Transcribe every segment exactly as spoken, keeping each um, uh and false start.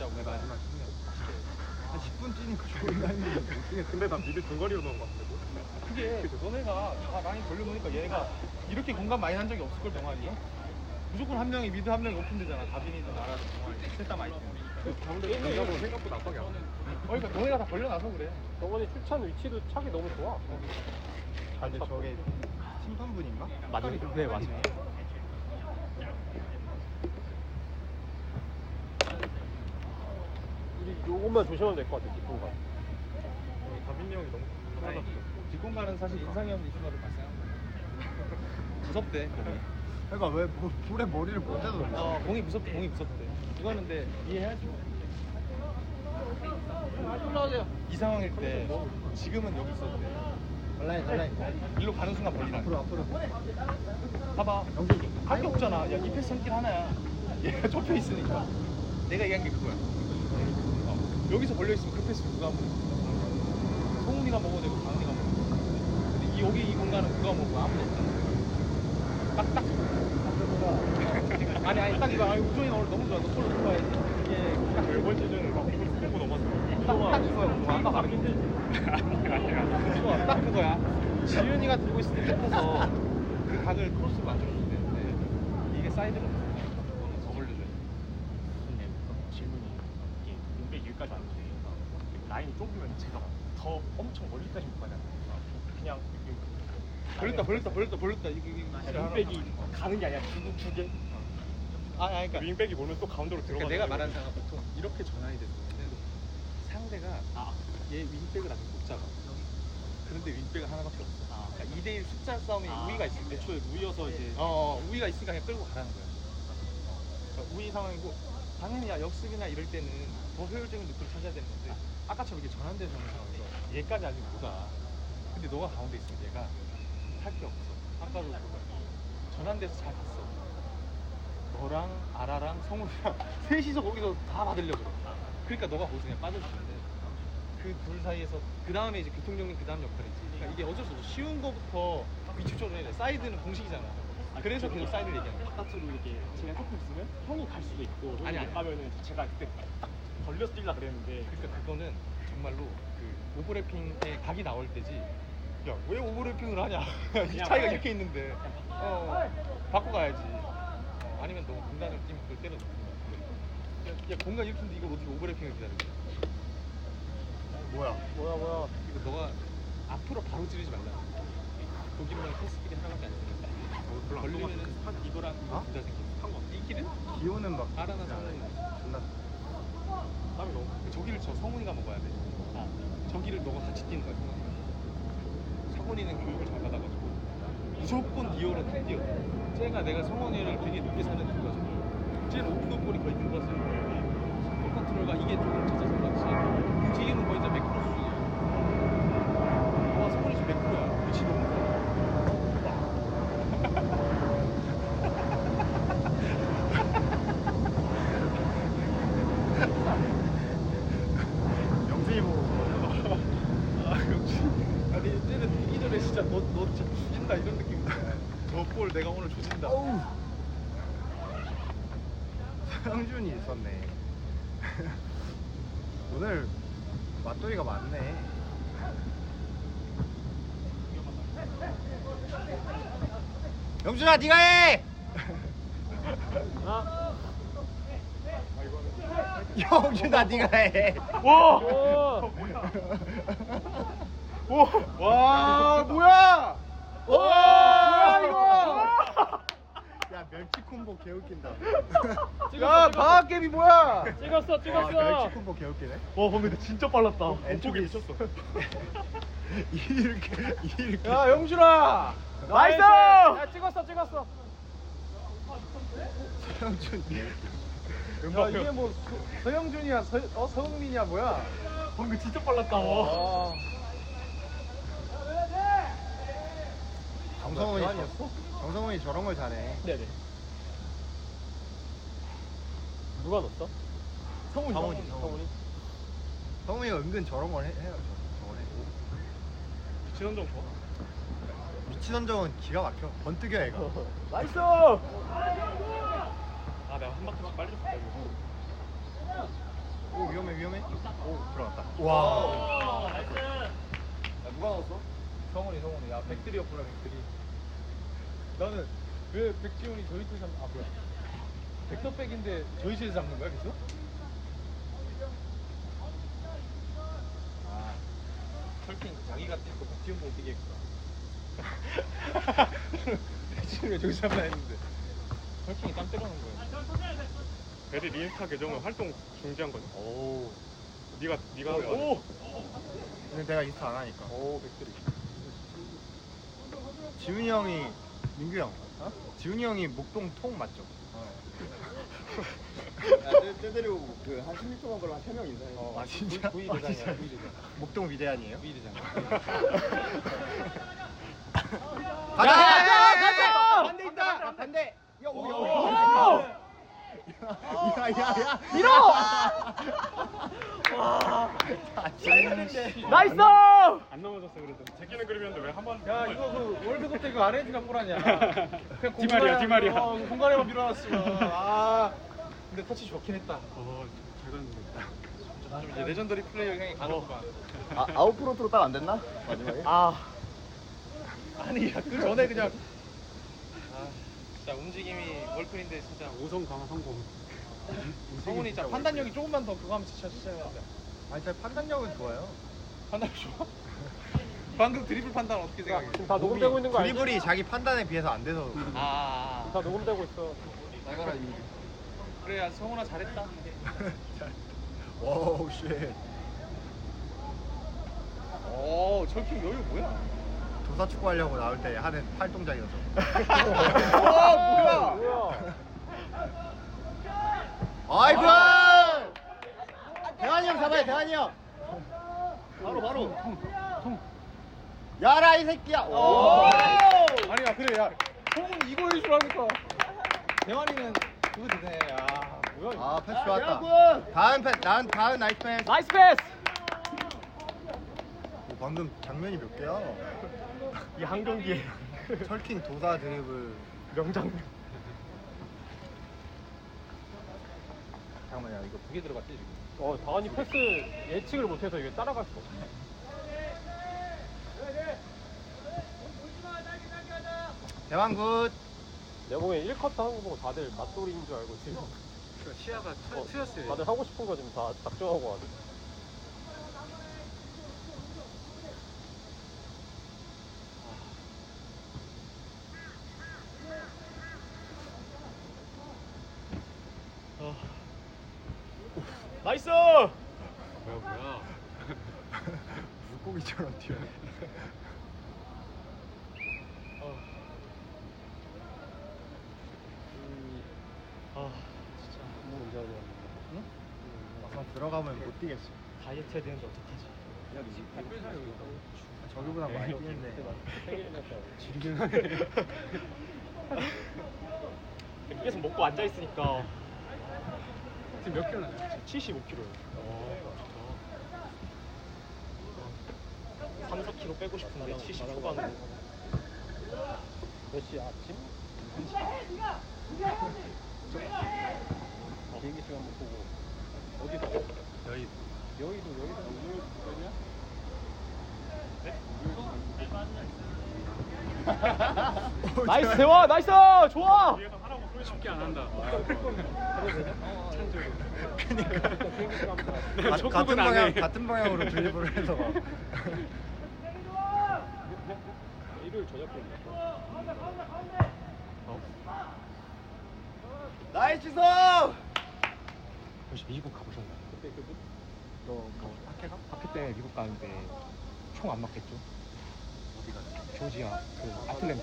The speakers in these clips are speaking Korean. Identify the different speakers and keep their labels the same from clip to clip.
Speaker 1: 뛰자고.
Speaker 2: 네, 마지막 뛰면 한 십 분 뛰니까 존나 힘들어.
Speaker 3: 근데 나 미드 중거리로 넣은 거 같은데.
Speaker 1: 그게 너네가 다 라인 돌려놓으니까 얘가 이렇게 공간 많이 한 적이 없을걸 동아리에? 무조건 한 명이 미드 한 명이 오픈되잖아. 다빈이든 나라든 동아리 셋 다 많이 뛰면.
Speaker 3: 가운데 공격으로 생각보다 압박이 안 돼.
Speaker 1: 어, 그러니까 너네가 다 벌려놔서 그래.
Speaker 4: 저번에 출찬 위치도 차기 너무 좋아.
Speaker 2: 아 근데 저게 심판분인가?
Speaker 1: 맞아. 네 맞아.
Speaker 4: 우리 요것만 조심하면 될 것 같아, 뒷공간.
Speaker 3: 다빈이 형이 너무 편하다.
Speaker 1: 뒷공간은 사실 인상이 없는 이승가를 발생합니다. 무섭대 공이.
Speaker 2: 그러니까 왜 뭐, 불에 머리를 못 대서 그래?
Speaker 1: 어 공이 무섭대 공이 무섭대. 이거는 근데 이해해야지. 이 상황일 때 지금은 여기 있어도 돼.
Speaker 2: 온라인 온라인
Speaker 1: 일로 가는 순간 벌리라.
Speaker 2: 앞으로 앞으로.
Speaker 1: 봐봐. 할 게 없잖아. 야, 이 패스 한길 하나야. 얘가 좁혀 있으니까. 내가 얘기한 게 그거야. 어. 여기서 걸려 있으면 그 패스 누가 먹어? 송훈이가 먹어도 되고 강훈이가 먹어도 되고. 근데 이, 여기 이 공간은 누가 먹고 아무도 없잖아. 딱 딱. 아니 아니 딱 이거. 아니 우정이가 오늘 너무 좋아. 너 골로 들어와야지. 이게 딱
Speaker 3: 이번 시즌은 막 이걸 보고 넘었어.
Speaker 1: 딱, 딱 그거야. 뭐 아까 가르친
Speaker 3: 아니야 아니야.
Speaker 1: 그거 딱 그거야. 지윤이가 들고 있을 때 끝에서 그 각을 크로스로 만들어주면 되는데 이게 사이드로 너는 더 벌려줘야 돼.
Speaker 5: 근데 질문이 이게 윙백 여기까지 왔는데 라인이 좁으면 제가 더 엄청 멀리까지 못 가잖아요. 그냥
Speaker 1: 벌렸다 벌렸다 벌렸다 벌렸다 이게 이게
Speaker 5: 윙백이 가는 게 아니라 두, 두 개.
Speaker 1: 아 아니 그러니까,
Speaker 3: 윙백이 몰면 또 가운데로 들어가.
Speaker 1: 그러니까 내가 말하는 상황 보통 이렇게 전환이 되는 상대가
Speaker 5: 아,
Speaker 1: 얘 윙백을 아직 못 잡아. 그런데 윙백은 하나밖에 없어.
Speaker 5: 아.
Speaker 1: 그러니까 이 대 일 숫자 싸움이
Speaker 5: 아,
Speaker 1: 우위가 있을 때
Speaker 5: 애초에 우위여서 이제
Speaker 1: 어, 어 우위가 있으니까 그냥 끌고 가라는 거야. 어, 그러니까 우위 상황이고 당연히 야 역습이나 이럴 때는 더 효율적인 루트를 찾아야 되는 건데 아까처럼 이렇게 전환돼서 하는 상황에서 얘까지 아직 못 와. 근데 너가 가운데 있으면 얘가 할 게 없어. 아까도 그거 전환돼서 잘 갔어. 너랑 아라랑 성훈이랑 셋이서 거기서 다 받으려고 그래. 그러니까 너가 거기서 그냥 빠져주면 돼. 그 둘 사이에서 그 다음에 이제 교통정리 그 다음 역할이지. 그러니까 이게 어쩔 수 없어. 쉬운 거부터 위축적으로 해야 돼. 사이드는 공식이잖아. 그래서 계속 사이드를 얘기하는 거야.
Speaker 5: 바깥으로 이렇게 제가 조금 있으면 형이 갈 수도 있고 형이
Speaker 1: 아니,
Speaker 5: 못
Speaker 1: 아니.
Speaker 5: 가면은 제가 그때 딱 걸려서 뛰려 그랬는데
Speaker 1: 그러니까 그거는 정말로 그 오버래핑에 각이 나올 때지. 야 왜 오버래핑을 하냐? 이 차이가 이렇게 있는데. 어, 바꿔 가야지. 어, 아니면 너 공간을 뛰면 그걸 때려 넣는 거야. 야, 야 공간 이렇게 있는데 이걸 어떻게 오버래핑을 기다려?
Speaker 2: 뭐야?
Speaker 4: 뭐야, 뭐야.
Speaker 1: 이거 너가 앞으로 바로 찌르지 말라. 거기만 패스길이 하나밖에 안 되니까.
Speaker 3: 별로 안
Speaker 1: 걸리면은
Speaker 3: 넘어갔어.
Speaker 1: 이거랑
Speaker 2: 어?
Speaker 1: 부자 생기는 거. 이 길은
Speaker 2: 기호는 막
Speaker 1: 알아나 성훈이.
Speaker 2: 존나
Speaker 3: 땀이 너무.
Speaker 1: 저기를 저 성훈이가 먹어야 돼. 아, 저기를 너가 같이 뛰는 거야. 성훈이는 교육을 잘 받아가지고 무조건 디어로 다 뛰어. 쟤가 내가 성훈이를 되게 늦게 사는 이유가 저거. 쟤는 오픈오볼이 거의 들어갔어요. 볼 컨트롤과 이게 조금 젖어서 그렇지. 움직임은 거의 다 매크로 수준이야. 와 성훈이 지금 매크로야. 위치 너무 좋아.
Speaker 2: 영준이 보고
Speaker 1: 아 역시 아니 쟤는 뛰기 전에 진짜 너, 너 진짜 죽인다 이런 느낌인데 저 볼 내가 오늘 조진다.
Speaker 2: 어우 서영준이 있었네. 오늘 맞돌이가 많네. 영준아 네가 해!
Speaker 4: 아,
Speaker 2: 영준아 네가 해!
Speaker 1: 와!
Speaker 4: 오!
Speaker 1: 오! 와 뭐야! 와 뭐야 이거!
Speaker 2: 야 멸치 콤보 개웃긴다.
Speaker 1: 야 방학개비 뭐야!
Speaker 4: 찍었어,
Speaker 2: 아,
Speaker 4: 찍었어.
Speaker 2: 멸치 콤보 개웃기네.
Speaker 1: 와 방금 근데 진짜 빨랐다.
Speaker 2: 왼쪽에
Speaker 1: 미쳤어.
Speaker 2: 이렇게 이렇게.
Speaker 1: 야 영준아! 나이스!
Speaker 4: 야, 찍었어, 찍었어.
Speaker 2: 서영준.
Speaker 1: 야 이게 뭐 서, 서영준이야 서, 어, 서흥민이야 뭐야?
Speaker 5: 방금 진짜 빨랐다.
Speaker 1: 와.
Speaker 2: 정성훈이 저,
Speaker 1: 아니었어?
Speaker 2: 정성훈이 저런 걸 잘해.
Speaker 4: 네네. 누가 넣었어?
Speaker 1: 성훈이
Speaker 2: 성훈이,
Speaker 1: 성훈이.
Speaker 2: 성훈이. 성훈이가 은근 저런 걸 해, 해요. 저런 해.
Speaker 1: 지원정 좋아.
Speaker 2: 위치 선정은 기가 막혀. 번뜩여 애가.
Speaker 1: 나이스!
Speaker 5: 아 내가 한 바퀴 빨리 줬다 이거.
Speaker 2: 오 위험해 위험해. 오 들어갔다.
Speaker 1: 와.
Speaker 2: 야, 누가 넣었어?
Speaker 1: 성훈이 성훈이. 야 백들이었구나 백들이. 나는 왜 백지훈이 저희 팀 잡? 아 뭐야? 백터백인데 저희 팀에서 잡는 거야 계속? 아 철킹 자기가 뛰고 백지훈 보고 뛰게 했구나. 백지훈 왜 저기서 잡나 했는데 철킹이 땀 때려는 거야.
Speaker 3: 애들 인스타 계정은 활동 중지한 거지.
Speaker 1: 오.
Speaker 3: 네가 네가
Speaker 1: 오.
Speaker 3: 하면
Speaker 1: 오.
Speaker 2: 근데 내가 인스타 안 하니까.
Speaker 1: 오 백들이.
Speaker 2: 지훈이 형이 민규 형. 어? 지훈이 형이 목동 통 맞죠?
Speaker 6: 쟤들이고 그한 십육 초만 걸로 한 세 명 인사해.
Speaker 2: 아 진짜?
Speaker 1: V
Speaker 2: 아,
Speaker 1: 대장이야.
Speaker 2: 진짜?
Speaker 1: V 대장.
Speaker 2: 목동 위대한이에요?
Speaker 1: V 대장.
Speaker 2: 가자!
Speaker 4: 가자!
Speaker 2: 반대 있다! 반대! 야, 오, 야, 오,
Speaker 4: 오!
Speaker 2: 야, 야, 야!
Speaker 4: 밀어!
Speaker 2: 아, 진짜.
Speaker 4: 나이스!
Speaker 3: 안 넘어졌어 그래도. 제끼는 그림이었는데 왜 한 번?
Speaker 1: 야 이거 그 월드컵 때 그 아르헨티나 골 아니야? 그냥
Speaker 3: 디마리아, 디마리아.
Speaker 1: 어, 공간에만 밀어놨으면. 아 근데 터치 좋긴 했다.
Speaker 3: 어잘 갔는데.
Speaker 1: 좀 이제 레전더리 플레이어 형이 가는구만.
Speaker 6: 아, 아웃프론트로 딱 안 됐나? 마지막에?
Speaker 4: 아,
Speaker 1: 아니 야, 그 전에 그냥 아 진짜 움직임이 월클인데 진짜
Speaker 3: 오성 강화 성공.
Speaker 1: 성훈이 진짜 판단력이 조금만 더 그거 하면 진짜 진짜 해야 돼.
Speaker 2: 아니, 제 판단력은 좋아요.
Speaker 1: 판단 좋아? 방금 드리블 판단 어떻게 생각해?
Speaker 4: 지금 다 녹음되고 있는 거 알지?
Speaker 2: 드리블이 자기 판단에 비해서 안 돼서.
Speaker 1: 아,
Speaker 4: 지금 다 녹음되고 있어.
Speaker 6: 잘 가라, 이.
Speaker 1: 그래 야 성훈아 잘했다.
Speaker 2: 와우, 쉣.
Speaker 1: 오 저렇게 여유 뭐야?
Speaker 2: 도사 축구 하려고 나올 때 하는 팔동작이어서.
Speaker 1: 와 뭐야?
Speaker 4: 뭐야?
Speaker 2: 아이고! 대환이 형 잡아요, 대환이 형! 바로, 바로. 야라, 이 새끼야! 오!
Speaker 1: 아니야 그래 야 성훈 이거 해주라니까. 대환이는 그거 되네. 야 뭐야 이거?
Speaker 2: 아, 패스 좋았다. 다음 패스, 난 다음 나이스 패스.
Speaker 4: 나이스 패스!
Speaker 2: 오, 방금 장면이 몇 개야?
Speaker 4: 이 한 경기에
Speaker 2: 철킹 도사 드리블.
Speaker 4: 명장면.
Speaker 1: 잠깐만요 이거 두 개 들어갔지 지금.
Speaker 4: 어, 다원이 패스 예측을 못해서 이게 따라갈 수 없어.
Speaker 2: 대왕 굿.
Speaker 4: 내가 보기엔 일 쿼터 하는 거 보고 다들 맞돌이인 줄 알고 지금
Speaker 1: 시야가
Speaker 4: 어,
Speaker 1: 트였어요.
Speaker 4: 다들 하고 싶은 거 지금 다 작정하고 하네. 나이스!
Speaker 3: 뭐야 뭐야.
Speaker 2: 물고기처럼 튀어.
Speaker 4: 아, 진짜 너무 문제 아니야.
Speaker 2: 응? 막상 들어가면 못 뛰겠어.
Speaker 4: 다이어트 해야 되는데 어떡하지?
Speaker 2: 저기보다 많이 뛰는데.
Speaker 4: 계속 먹고 앉아 있으니까
Speaker 3: 지금 몇 킬로 나요?
Speaker 4: 칠십오 킬로예요. 삼, 사 킬로 빼고 싶은데 칠십 초반으로. 몇 시야? 아침? 비행기 시간 못 보고 어디서?
Speaker 2: 여의.
Speaker 4: 여의도 여의도 여의도냐? 나이스 대화 나이스 좋아.
Speaker 3: 뒤에서 하라고 소리 쉽게 안 한다.
Speaker 2: 가, 같은
Speaker 3: 족구는 안
Speaker 2: 방향
Speaker 3: 해.
Speaker 2: 같은 방향으로 드리블을 해서 막.
Speaker 4: 일요일 저녁
Speaker 6: 나이스 주성!
Speaker 5: 혹시 미국 가보셨나요?
Speaker 4: 그때 그
Speaker 5: 너뭐 학회가? 학회 때 미국 가는데 총 안 맞겠죠? 어디가? 조지아 그 아틀랜타.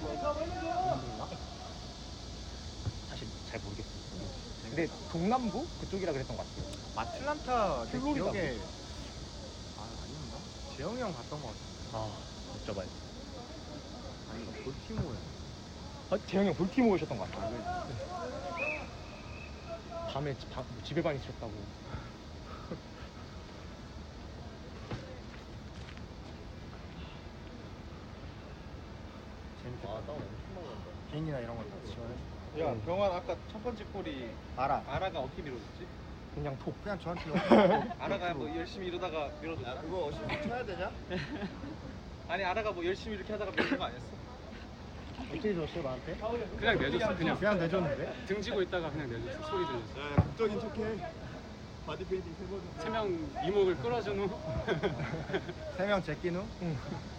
Speaker 5: 사실 잘 모르겠어요. 근데 동남부 그쪽이라 그랬던 것 같아요.
Speaker 2: 아틀란타 내
Speaker 5: 플로리다.
Speaker 2: 기억에 아 아닌가? 재영이 형 갔던 것 같은데.
Speaker 5: 아, 여쭤봐요.
Speaker 2: 아닌가? 볼티모어.
Speaker 5: 아, 재영이 형 볼티모 오셨던 것 같아요. 밤에 집, 방- 집에만 있으셨다고.
Speaker 2: 재밌겠다.
Speaker 4: 아 다운 엄청 많이 난다.
Speaker 2: 비행기나 이런 거다 지원해.
Speaker 1: 야 병환 아까 첫 번째 골이
Speaker 2: 알아.
Speaker 1: 아라가 어떻게 밀어줬지?
Speaker 4: 그냥 톡.
Speaker 2: 그냥 저한테
Speaker 1: 아라가 뭐 열심히 이러다가 밀어줬다.
Speaker 2: 야 그거 어시스트 쳐야 되냐?
Speaker 1: 아니 아라가 뭐 열심히 이렇게 하다가 밀어준 거 아니었어?
Speaker 2: 어떻게 줬어 나한테?
Speaker 7: 그냥 내줬어 그냥.
Speaker 2: 그냥 내줬는데?
Speaker 7: 등지고 있다가 그냥 내줬어. 소리 들렸어.
Speaker 6: 야, 극적인 척해. 바디 페인팅 세 번.
Speaker 7: 세 명 이목을 끌어준 후.
Speaker 2: 세 명 제낀 후? 응.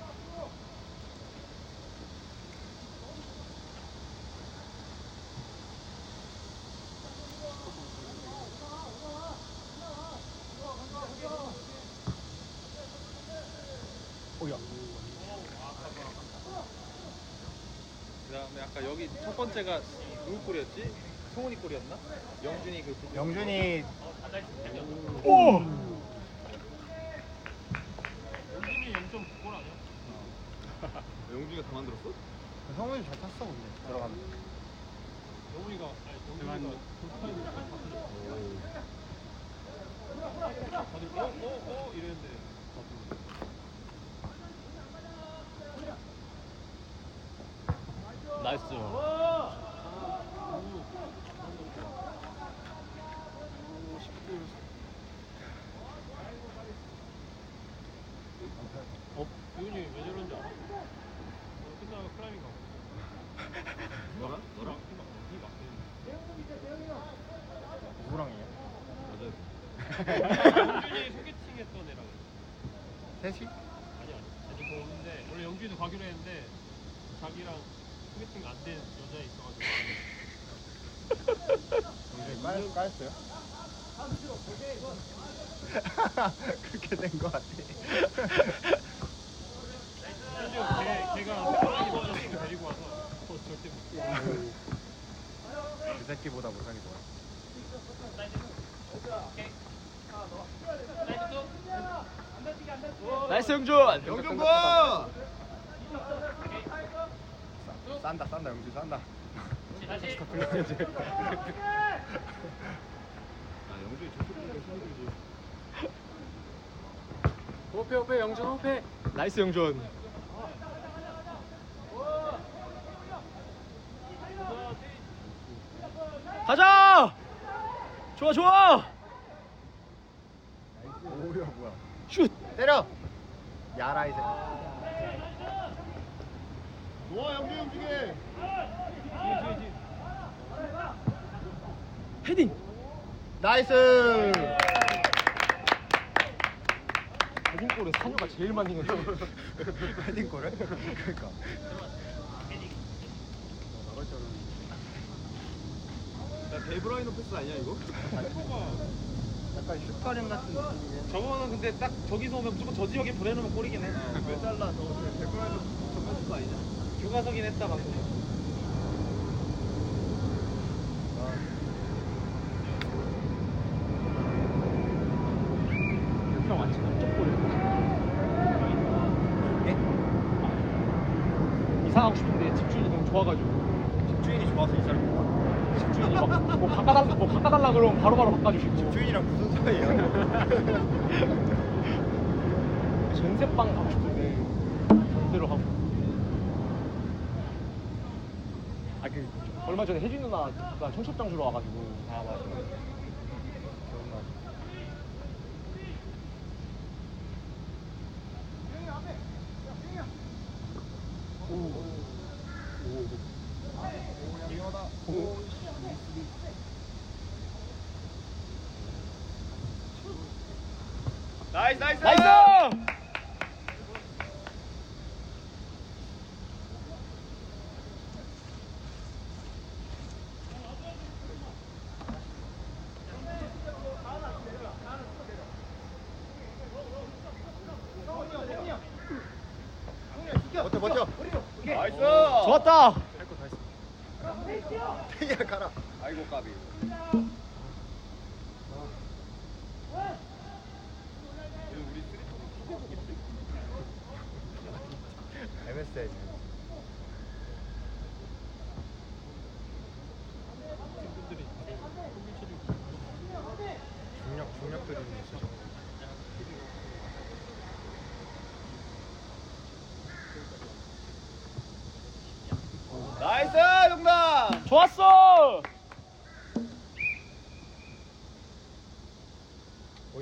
Speaker 2: 오야.
Speaker 1: 그다음에 아까 여기 첫 번째가 누구 골이었지? 성훈이 골이었나? 영준이 그 부분.
Speaker 2: 영준이
Speaker 1: 오!
Speaker 6: 영준이가 다 만들었어?
Speaker 2: 성훈이 잘 탔어 근데 들어가면.
Speaker 7: 대만
Speaker 4: 나이스. 어? 유은이 왜 저런지 알아? 끝나면 클라이밍 가.
Speaker 6: 너랑? 너랑?
Speaker 2: 누구랑이야?
Speaker 4: 영준이 소개팅 했던 애랑.
Speaker 2: 셋이?
Speaker 4: 아니 아니. 아직 뭐 없는데 원래 영준이도 가기로 했는데 자기랑 소개팅 안 된 여자 있어가지고.
Speaker 2: 영준이 까였, 까였어요? 그렇게 된 거 같아.
Speaker 4: 심지어 걔, 걔가 소개팅 친구 데리고 와서 어, 절대 못.
Speaker 2: 그 새끼보다 못하게 좋아.
Speaker 4: 나이스 영준.
Speaker 2: 영준 거! 싼다 싼다 영준 싼다.
Speaker 6: 아, 영준이 저쪽 보니까 힘들지.
Speaker 7: 호패 호패 영준 호패.
Speaker 4: 나이스 영준. 가자. 좋아 좋아.
Speaker 2: 오야 뭐야.
Speaker 4: 슛.
Speaker 2: 때려! 야라 이제.
Speaker 6: 좋아, 영준이 움직여.
Speaker 4: 헤딩.
Speaker 2: 나이스!
Speaker 4: 헤딩골은 산유가 제일 많이 넣어.
Speaker 2: 헤딩골을? 그러니까.
Speaker 6: 야, 데브라이너 패스 아니야, 이거?
Speaker 2: 약간 슛가림 같은 느낌이네.
Speaker 1: 저거는 근데 딱 저기서 오면 무조건 저 지역에 보내놓으면 골이긴 해.
Speaker 6: 왜 잘라? 너 데브라이너 전면 패스 아니냐?
Speaker 1: 교과서긴 했다 방금.
Speaker 4: 형 아침 깜짝 골. 이상하고 싶은데 집주인이 너무 좋아가지고.
Speaker 2: 집주인이 좋아서 이 사람 뭐야?
Speaker 4: 집주인이 막뭐 바꿔달라 뭐 바꿔달라 그러면 바로바로 바꿔주시고.
Speaker 2: 집주인이랑 무슨 사이야?
Speaker 4: 전세방 가고 싶은데 전세로 하고. 아 그 얼마 전에 혜진 누나가 청첩장 주러 와가지고.
Speaker 2: 아 맞아. 기억나.
Speaker 6: 나이스, 나이스!
Speaker 4: 나이스!
Speaker 2: 버텨 버텨.
Speaker 6: 나이스!
Speaker 4: 좋았다.
Speaker 2: 할거 다 했어. 태기야 가라.
Speaker 6: 아이고, 까비.
Speaker 2: 엠에스에 중력 중력들이 있어.
Speaker 6: 나이스, 영남!
Speaker 4: 좋았어.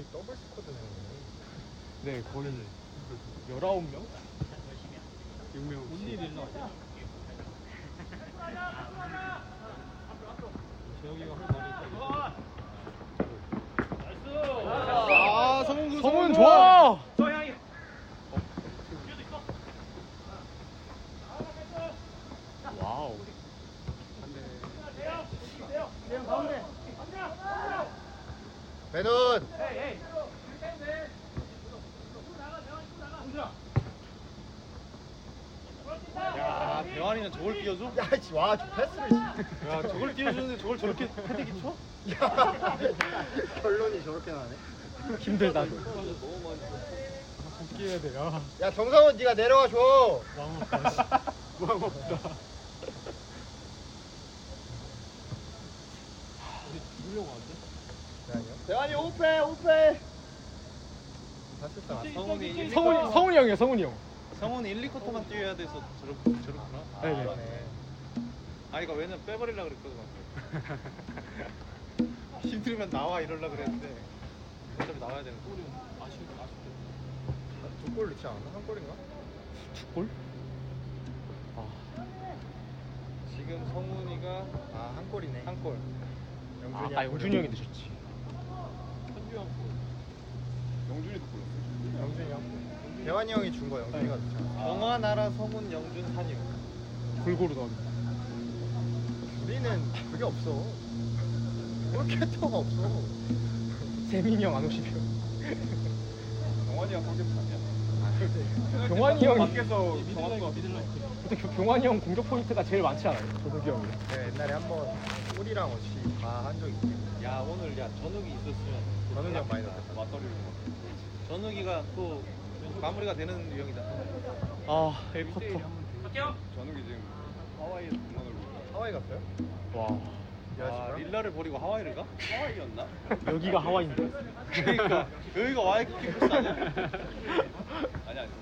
Speaker 2: 거의 더블 스쿼드네.
Speaker 1: 네, 거의 열아홉 명?
Speaker 7: 육 명.
Speaker 4: 온리 릴러 아니야? 재혁이가 할 말이 있다.
Speaker 1: 아, 성훈
Speaker 3: 성훈 좋아.
Speaker 5: 와우.
Speaker 2: 배돈.
Speaker 1: 야, 대환이는 저걸 띄워줘?
Speaker 2: 야, 씨, 와, 저 패스를. 씨.
Speaker 1: 야, 저걸 띄워주는데 저걸 저렇게 패대기 쳐?
Speaker 2: 야, 결론이 저렇게 나네.
Speaker 1: 힘들다. 웃겨야 돼. 야.
Speaker 2: 야, 정상훈 네가 내려와 줘.
Speaker 1: 왕 없다. 씨. 왕 없다.
Speaker 6: 대환이 오페 오페.
Speaker 2: 다쳤다.
Speaker 1: 성훈이
Speaker 3: 성훈이 성훈이 형이야 성훈이 형.
Speaker 1: 성훈이 일, 이 쿼터만 뛰어야 돼서 저렇 저렇구나.
Speaker 3: 네네.
Speaker 1: 아, 이거 왜냐면 빼버리려고 그랬거든. 힘들면 나와 이러려 그랬는데 어차피 나와야 되는 거.
Speaker 4: 아쉬울 때 아쉽대.
Speaker 2: 두골 넣지 않았나? 한 골인가?
Speaker 3: 두 골?
Speaker 1: 지금 성훈이가
Speaker 2: 아, 한 골이네.
Speaker 1: 한 골.
Speaker 2: 영준이
Speaker 3: 아,
Speaker 2: 한 골.
Speaker 3: 영준이 형이 늦었지.
Speaker 4: 현주 형
Speaker 6: 영준이도 골랐어.
Speaker 2: 영준이 형. 대환이 형이 준 거 영준이가 넣지 않았나?
Speaker 1: 정화, 나라, 성훈, 영준, 산유.
Speaker 3: 골고루 넣었네.
Speaker 2: 우리는 그게 없어. 골키터가 없어.
Speaker 3: 세민이 형 안 오시면.
Speaker 6: 영환이가 골키퍼 아니야?
Speaker 3: 경환이 형이
Speaker 6: 밖에서
Speaker 4: 미들라인과 미들라인.
Speaker 3: 근데 교- 경환이 형 공격 포인트가 제일 많지 않아요? 조석이 형이.
Speaker 2: 내가 옛날에 한번 골이랑 없이 다 한 적이 있지.
Speaker 1: 야, 오늘 야 전욱이 있었으면
Speaker 2: 전욱이 형 많이 넣었다.
Speaker 6: 맞다리를
Speaker 1: 전욱이가 또 마무리가 되는 유형이다.
Speaker 3: 아, 일 쿼터.
Speaker 6: 전욱이 지금 하와이에서 공원을 보고
Speaker 2: 하와이 갔어요?
Speaker 3: 와,
Speaker 1: 아, 릴라를 버리고 하와이를 가?
Speaker 6: 하와이였나?
Speaker 3: 여기가 하와이인데.
Speaker 1: 그러니까 여기가 와이키키 코스 아니야?
Speaker 6: 아니 아니.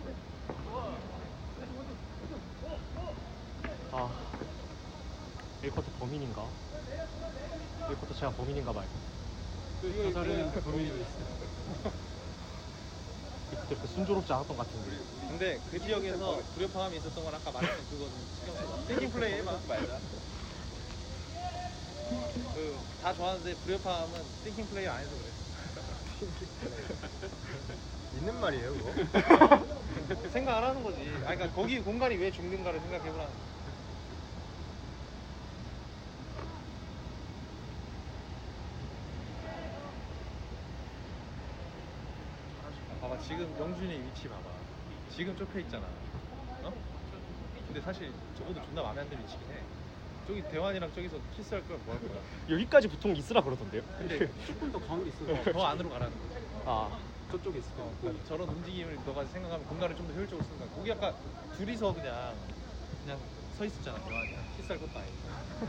Speaker 3: 아, 일 쿼터 범인인가? 일 쿼터 제가 범인인가 봐요.
Speaker 4: 그 사람은 범인이 있어.
Speaker 3: 그때 그 순조롭지 않았던 것 같은데.
Speaker 1: 근데 그 지역에서 불협화음이 있었던 건 아까 말했던 그거는 신경 써. 띵킹 플레이 해봐.
Speaker 6: 말자.
Speaker 1: 그다 좋아하는데 불협화음은 띵킹 플레이 안 해서 그래.
Speaker 2: 있는 말이에요, 그거?
Speaker 1: 생각 안 하는 거지. 아, 그러니까 거기 공간이 왜 죽는가를 생각해보라는 거지. 봐봐, 지금 영준이 위치 봐봐. 지금 좁혀 있잖아. 어? 근데 사실 저것도 존나 마음에 안 드는 위치긴 해. 저기 대환이랑 저기서 키스할 거면 뭐 할 거야?
Speaker 3: 여기까지 보통 있으라 그러던데요?
Speaker 1: 근데
Speaker 4: 조금 더 가운데 있어.
Speaker 1: 더 안으로 가라는 거지.
Speaker 3: 아,
Speaker 4: 저쪽에 있을 거야.
Speaker 1: 그러니까 저런 움직임을 너가 생각하면 공간을 좀 더 효율적으로 쓰는 거야. 거기 아까 둘이서 그냥 그냥 서 있었잖아, 대환이랑 키스할 것도 아니고.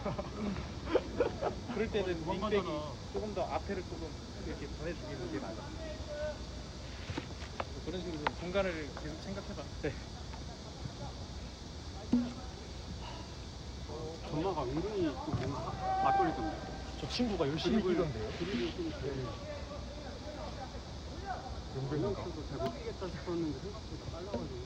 Speaker 1: 그럴 때는 윙백이 조금 더 앞에를 조금 이렇게 보내주기는 게 맞아. 그런 식으로 좀 공간을 계속 생각해봐.
Speaker 3: 네.
Speaker 4: 전마가 은근히 또 뭔가 맞돌리던데.
Speaker 3: 저 친구가 열심히 뛰던데요?
Speaker 4: 드리블 좀 잘. 용병수도 잘 못 뛰겠다 싶었는데 생각보다 빨라가지고.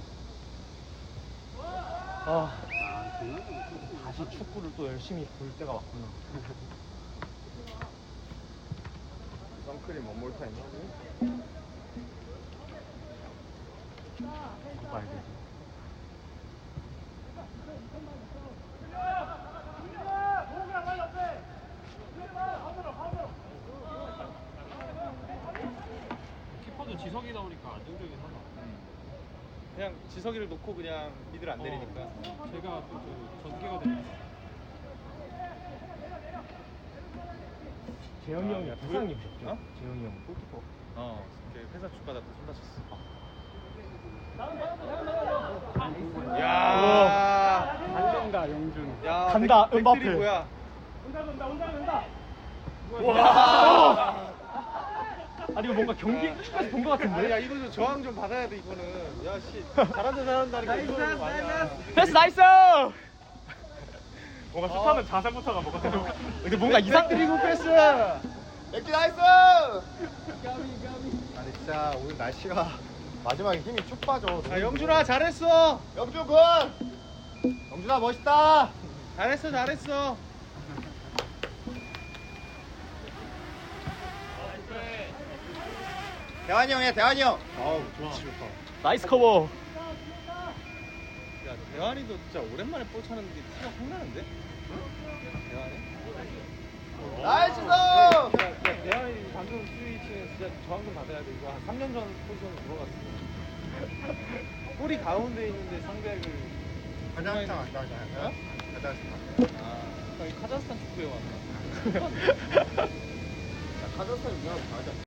Speaker 3: 아,
Speaker 4: 아, 정말?
Speaker 3: 다시 축구를 또 열심히 볼 때가 왔구나.
Speaker 6: 선크림 원몰 타임 하고.
Speaker 3: 이거 봐야 돼.
Speaker 4: 키퍼도 지석이 나오니까 안정적이긴 하다.
Speaker 1: 그냥 지석이를 놓고 그냥 미들 안 내리니까.
Speaker 4: 어, 제가 그 전개가 됐
Speaker 3: 재현이 형이 부상님이셨죠?
Speaker 1: 어?
Speaker 3: 재현이 형 골키퍼.
Speaker 1: 어, 이렇게 회사 쭉 받았다 손 다쳤어. 야,
Speaker 7: 달린다 영준.
Speaker 1: 야,
Speaker 3: 간다,
Speaker 1: 백-
Speaker 3: 음바페.
Speaker 1: 백들이 뭐야?
Speaker 3: 와! 아니 이거 뭔가 경기 축구에서 본 것
Speaker 1: 아니,
Speaker 3: 같은데?
Speaker 1: 야, 이거 좀 저항 좀 받아야 돼 이거는. 야, 씨, 잘한다 잘한다니까 이거는 아니야.
Speaker 3: 패스 나이스!
Speaker 5: 뭔가 슈타는 자세부터가 뭔가
Speaker 3: 근데 뭔가 이상
Speaker 1: 그리고 패스. 야,
Speaker 6: 맥주 나이스!
Speaker 2: 아 근데 진짜 오늘 날씨가 마지막에 힘이 쭉 빠져.
Speaker 1: 아 영준아 잘했어.
Speaker 6: 영준 군!
Speaker 2: 영준아 멋있다.
Speaker 1: 잘했어 잘했어.
Speaker 6: 대환이 형이야 대환이 형!
Speaker 2: 아우 좋지 좋다.
Speaker 3: 나이스 커버.
Speaker 1: 야 대환이도 진짜 오랜만에 볼 차는데 티가 확 나는데? 대환이?
Speaker 6: 나이스!
Speaker 1: 야, 야, 대환이 방금 스위치는 진짜 저항금 받아야 돼. 이거 한 삼 년 전 포지션으로 들어갔어. 꼬리 가운데 있는데 상대를
Speaker 2: 가자스탄 안 가잖아요.
Speaker 1: 어?
Speaker 2: 가자스탄.
Speaker 1: 아, 형이 카자흐스탄 축구에 왔나?
Speaker 6: 카자흐스탄이 누나랑 다르지 않나?